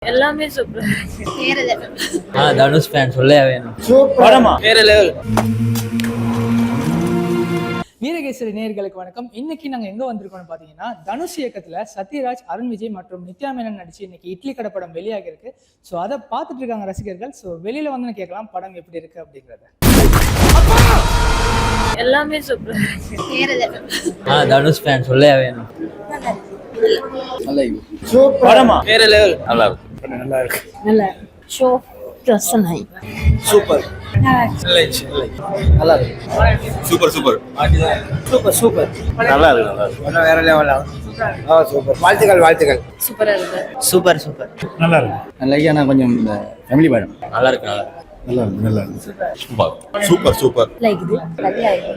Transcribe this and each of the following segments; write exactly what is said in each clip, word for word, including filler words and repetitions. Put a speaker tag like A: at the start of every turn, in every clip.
A: எல்லாமே சூப்பரா இருக்கு. வேற லெவல்.
B: ஆ தனுஷ் ஃபேன் சொல்லவே வேணும்.
C: படமா வேற லெவல்.
D: வீரகேசரி நேயர்களுக்கு வணக்கம். இன்னைக்கு நாங்க எங்க வந்திருக்கோம்னு பாத்தீங்கன்னா, தனுஷ் இயக்கத்துல சத்யராஜ், அருண் விஜய் மற்றும் நித்யா மேனன் நடிச்சு இன்னைக்கு இட்லி கடை படம் வெளியாகி இருக்கு. ஸோ அதை பார்த்துட்டு இருக்காங்க ரசிகர்கள். ஸோ வெளியில வந்து கேட்கலாம் படம் எப்படி இருக்கு அப்படிங்கறத.
A: எல்லாமே சூப்பரா இருக்கு. வேற லெவல்.
B: ஆ தனுஷ் ஃபேன் சொல்லவே வேணும்.
C: நல்லா சூப்பர். படமா வேற லெவல். நல்லா இருக்கு.
D: நல்லா இருக்கு.
A: நல்லா ஷோ ட்ரஸ்ட் நை.
C: சூப்பர். நல்லா இருக்கு. Super super super super. நல்லா இருக்கு. நல்லா இருக்கு. வேற லெவல். ஆ சூப்பர். வாழ்த்துக்கள் வாழ்த்துக்கள்.
A: சூப்பரா இருக்கு.
B: Super super.
C: நல்லா இருக்கு. நல்லா ஐயா கொஞ்சம் இந்த ஃபேமிலி படம்.
B: நல்லா இருக்கு. நல்லா
C: நல்லா இருக்கு. நல்லா இருக்கு. Super super super.
A: லைக் இது நல்லா இருக்கு.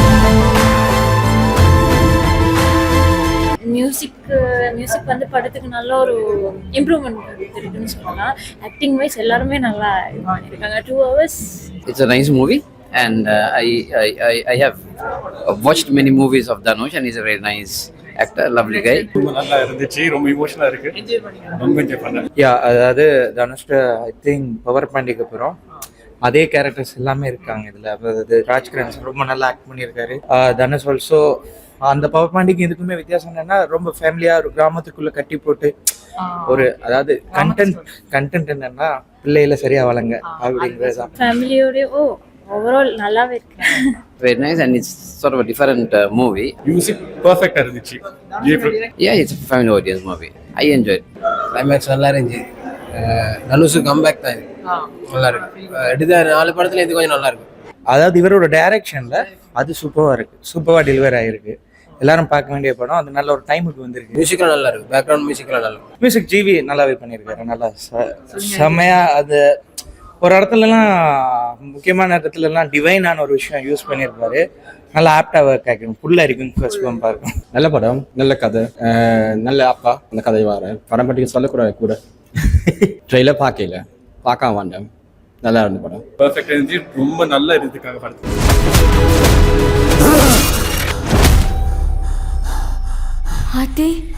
A: மியூசிக் மியூசிக் வந்து படத்துக்கு நல்ல ஒரு இம்ப்ரூவ்மெண்ட் இருக்குன்னு சொல்லலாம். ஆக்டிங் வைஸ் எல்லாருமே நல்லா இது பண்ணியிருக்காங்க. Two hours.
E: It's a nice movie, and uh, I, I I I have watched many movies of Dhanush, and he's a very nice actor, lovely guy.
C: ரொம்ப நல்லா இருந்துச்சு. ரொம்ப இமோஷனலா இருக்கு. ரொம்ப என்ஜாய் பண்ணேன்.
F: யா அதாவது தனுஷ்ட ஐ திங்க் பவர் பாண்டிக்கு அப்புறம் அதே கேரக்டர்ஸ் எல்லாமே இருக்காங்க இதில். அதாவது ராஜ்கிரண் ரொம்ப நல்லா ஆக்ட் பண்ணியிருக்காரு. தனுஷ் ஆல்சோ அந்த பவர் பாண்டிக்கு இதுக்குமே வித்தியாசம் என்னன்னா, ரொம்ப ஃபேமிலியா ஒரு கிராமத்துக்குள்ள கட்டி போட்டு ஒரு அதாவது கண்டென்ட் கண்டென்ட் என்னன்னா பிள்ளையில சரியா வளங்க அப்படிங்கிறது.
A: ஃபேமிலியோட ஓ ஓவரால் நல்லாவே இருக்கு.
E: Very nice, and it's sort of a different uh, movie.
C: Music பெர்ஃபெக்ட்டா இருந்துச்சு.
E: Yeah, it's a family audience movie. I enjoyed.
G: Climax நல்லா இருந்துச்சு. தனுஷு கம்பேக் தான் இது. நல்லா இருக்கு. எடுத்த நாலு படத்துல இது கொஞ்சம் நல்லா இருக்கு.
F: அதாவது இவரோட டைரக்ஷன்ல அது சூப்பரா இருக்கு. சூப்பரா டெலிவர் ஆயிருக்கு. எல்லாரும் பார்க்க வேண்டிய படம். அது நல்ல ஒரு டைமுக்கு வந்திருக்கு.
G: மியூசிக்லாம் நல்லா இருக்கு. பேக்ரவுண்ட் மியூசிக்லாம் நல்லா இருக்கு.
F: மியூசிக் ஜிவி நல்லாவே பண்ணியிருக்காரு. நல்லா ச- செமையா அது ஒரு இடத்துலலாம் முக்கியமான இடத்துலலாம் டிவைனான ஒரு விஷயம் யூஸ் பண்ணியிருப்பாரு. நல்லா ஆப்டா ஒர்க் ஆகிடும். ஃபுல்லாக இருக்கும் ஃபர்ஸ்ட் பம்ப் இருக்கும்.
H: நல்ல படம், நல்ல கதை, நல்ல அப்பா அந்த கதை வர படம் பற்றி சொல்லக்கூடாது கூட. ட்ரெயிலர் பார்க்கல, பார்க்க வேண்டாம். நல்லா இருந்த படம்.
C: பெர்ஃபெக்ட்டா இருந்துச்சு. ரொம்ப நல்லா இருந்துக்காக படத்துக்கு.
I: ஆத்தி